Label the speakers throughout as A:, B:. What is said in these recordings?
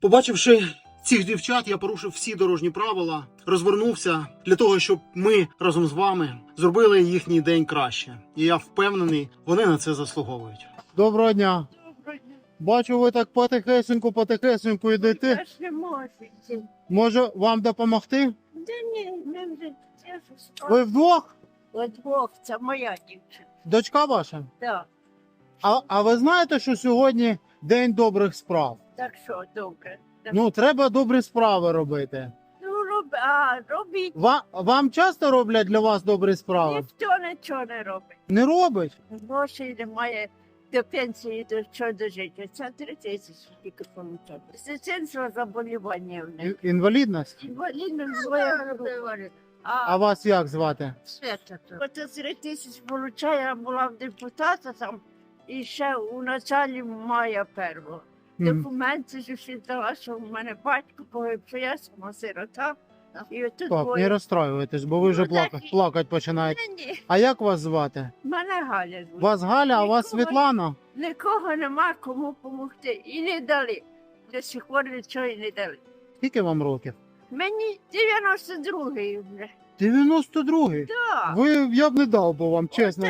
A: Побачивши цих дівчат, я порушив всі дорожні правила, розвернувся для того, щоб ми разом з вами зробили їхній день краще. І я впевнений, вони на це заслуговують. Доброго дня. Бачу, ви так потихесеньку йдете.
B: Я ж не можу.
A: Може вам допомогти?
B: Да ні, не вже. Я ж
A: Ви вдвох?
B: Двох, це моя дівчина.
A: Дочка ваша?
B: Так,
A: А ви знаєте, що сьогодні день добрих справ?
B: так що, добре.
A: Ну, треба добрі справи робити.
B: Ну, робіть.
A: Вам часто роблять для вас добрі справи?
B: Ніхто нічого не робить.
A: Не робить?
B: Грошей немає до пенсії, до чого дожити. Це 3 тисячі тільки получати. З дитинства заболівання в них.
A: Інвалідність?
B: Інвалідність двоє говорить.
A: А вас як звати?
B: Свята. Оце 3 тисячі получаю, я була в депутата там, і ще у началі мая первого. Документи ж усі дала, що в мене батько погиб, що я сама сирота. І отут
A: Так, не розстраюйтесь, бо ви вже
B: Ну, так
A: плакати починаєте.
B: Ні,
A: А як вас звати?
B: мене Галя звуть.
A: Вас Галя, а вас
B: Нікого.
A: Світлана?
B: Нікого нема кому допомогти. І не дали. До сих пор нічого і не дали.
A: Скільки вам років?
B: Мені 92-й вже.
A: 92-й.
B: Так.
A: Я б не дав би вам, чесно.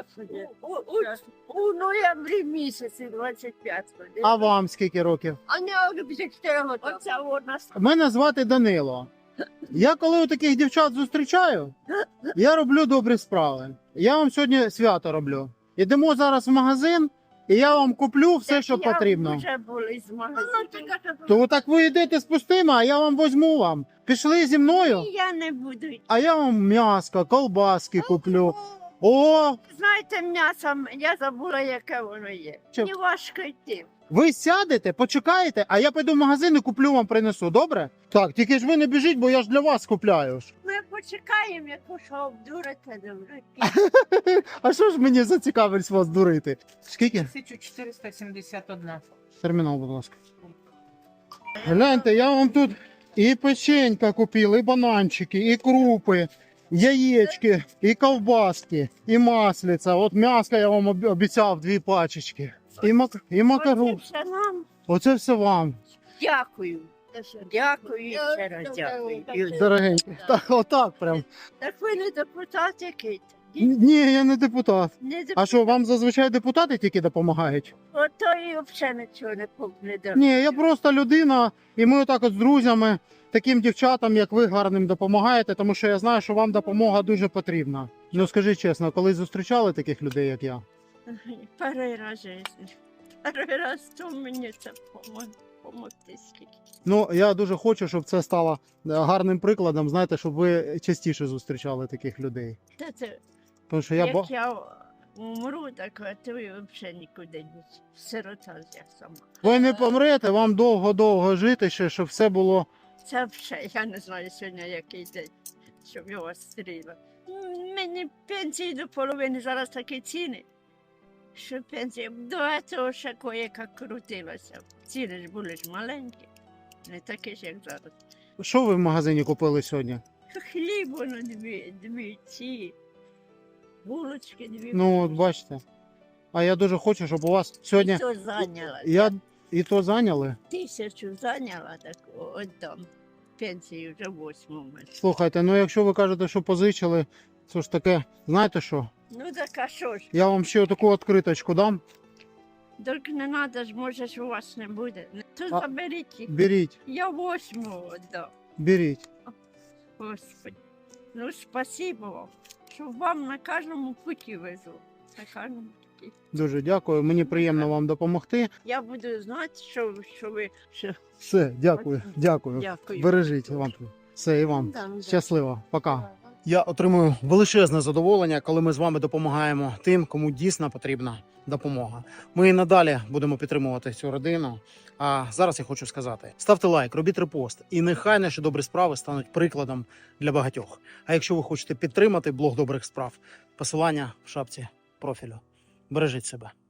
B: У ноябрі місяці 25-го.
A: А вам скільки років?
B: А не 54 роки. Оце вона.
A: Мене звати Данило. Я коли у таких дівчат зустрічаю, я роблю добрі справи. Я вам сьогодні свято роблю. Ідемо зараз в магазин, і я вам куплю все, що потрібно.
B: Вже були з магазину.
A: То так ви йдете з пустими, а я вам возьму вам. Пішли зі мною,
B: Я не буду йти.
A: а я вам м'яско, колбаски куплю. О,
B: Знаєте, м'ясо, я забула, яке воно є.
A: Що?
B: Мені важко йти.
A: ви сядете, почекаєте, а я піду в магазин і куплю вам, принесу, добре? Так, тільки ж ви не біжіть, бо я ж для вас купляю.
B: Ми почекаємо, яку що обдурите добре.
A: А що ж мені зацікавить вас дурити? Скільки?
C: 1471.
A: Термінал, будь ласка. Гляньте, я вам тут і печенька купив, і бананчики, і крупи, яєчки, і ковбаски, і маслиця. От м'яска я вам обіцяв 2 пачечки. І макару.
B: Оце все нам.
A: Оце все вам,
B: Дякую. Дякую і ще раз дякую.
A: дорогенькі. Так, отак прям.
B: Так ви не депутат який?
A: Ні, я не депутат.
B: Не
A: А
B: депутат.
A: що, вам зазвичай депутати тільки допомагають?
B: Ото і взагалі нічого не дав.
A: Ні, я просто людина, і ми отак от з друзями, таким дівчатам, як ви, гарним допомагаєте, тому що я знаю, що вам допомога дуже потрібна. Ну скажіть чесно, коли зустрічали таких людей, як я?
B: Перший раз в житті. Перший раз то мені це помогти скільки.
A: Ну, я дуже хочу, щоб це стало гарним прикладом, знаєте, щоб ви частіше зустрічали таких людей.
B: Та це,
A: Тому що
B: як я умру, так а то і взагалі нікуди не сирота я сама.
A: ви не помрете, вам довго-довго жити ще, щоб все було.
B: Це вже, я не знаю сьогодні який день, щоб його стріла. Мені пенсії до половини зараз такі ціни, що пенсія до цього ще кое-як крутилася. Ціни ж були ж маленькі, не такі ж, як зараз.
A: Що ви в магазині купили сьогодні?
B: Хліб воно дві ці, булочки дві.
A: Ну, от бачите. А я дуже хочу, щоб у вас сьогодні.
B: І то зайняла.
A: І то зайняли.
B: 1000 зайняла, так отдам. Пенсію вже 8-му.
A: Слухайте, ну якщо ви кажете, що позичили, це ж таке, знаєте що?
B: Ну так а що ж?
A: Я вам ще таку відкриточку дам.
B: Тільки не треба ж, може ж у вас не буде. То
A: А-
B: заберіть їх.
A: Беріть,
B: Я 8-му віддам.
A: беріть.
B: Господи. Ну, спасибо вам, що вам на кожному путі везу. На кожному путі.
A: Дуже дякую. Мені приємно вам допомогти.
B: Я буду знати, що ви... Що...
A: Все, дякую, дякую.
B: Дякую.
A: Бережіть вам. Все, і вам.
B: Да, да.
A: Щасливо. Пока. Я отримую величезне задоволення, коли ми з вами допомагаємо тим, кому дійсно потрібна допомога. Ми і надалі будемо підтримувати цю родину. А зараз я хочу сказати: ставте лайк, робіть репост, і нехай наші добрі справи стануть прикладом для багатьох. А якщо ви хочете підтримати блог добрих справ, посилання в шапці профілю. Бережіть себе.